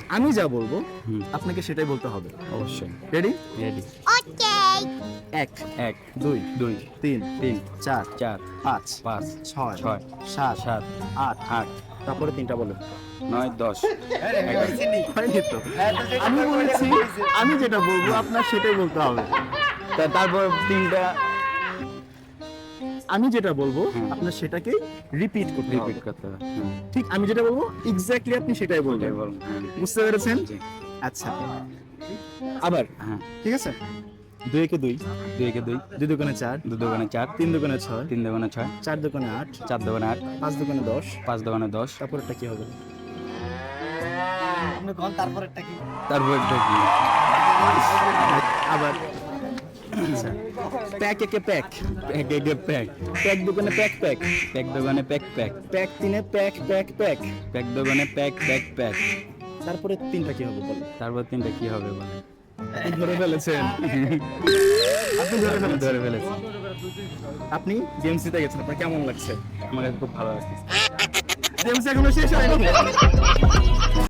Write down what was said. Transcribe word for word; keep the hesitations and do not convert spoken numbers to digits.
আমি যা বলবো হুম। আপনাকে সেটাই বলতে হবে। অবশ্যই রেডি? রেডি। এক, এক দুই, দুই তিন, তিন চার, চার পাঁচ, পাঁচ ছয়, ছয় সাত, সাত আট, আট তারপরে তিনটা বলো। নয় দশ হয়নি তো। আমি বলেছি আমি যেটা বলবো আপনার সেটাই বলতে হবে। তা- তারপর তিনটা আমি যেটা বলবো হুম। আপনার সেটাকেই রিপিট করতে হবে। রিপিট করতে হবে। হুম, ঠিক আমি যেটা বলবো এক্স্যাক্টলি আপনি সেটাই বলবেন। ওটাই বল। হুম, বুঝতে পেরেছেন? জি। আচ্ছা, আবার হ্যাঁ ঠিক আছে। দুই একে দুই, দুই একে দুই দুই দোকানে চার, দু দোকানে চার তিন দোকানে ছয়, তিন দোকানে ছয় চার দোকানে আট, চার দোকানে আট পাঁচ দোকানে দশ, পাঁচ দোকানে দশ তারপরটা কি হবে? তারপর একটা কি আবার আচ্ছা, প্যাক একে প্যাক, প্যাক একে প্যাক প্যাক দোকানে প্যাক প্যাক, প্যাক দোকানে প্যাক প্যাক প্যাক তিনে প্যাক প্যাক প্যাক, প্যাক দোকানে প্যাক প্যাক প্যাক তারপরে তিনটা কি হবে বলেন? তারপর তিনটা কি হবে বলে আপনি ধরে ফেলেছেন। আপনি ধরে ফেলেছেন। ধরে ফেলেছি। আপনি গেমস জিতে গেছেন, আপনার কেমন লাগছে? আমার কাছে খুব ভালো লাগছে। গেমস এখনো শেষ হয়নি।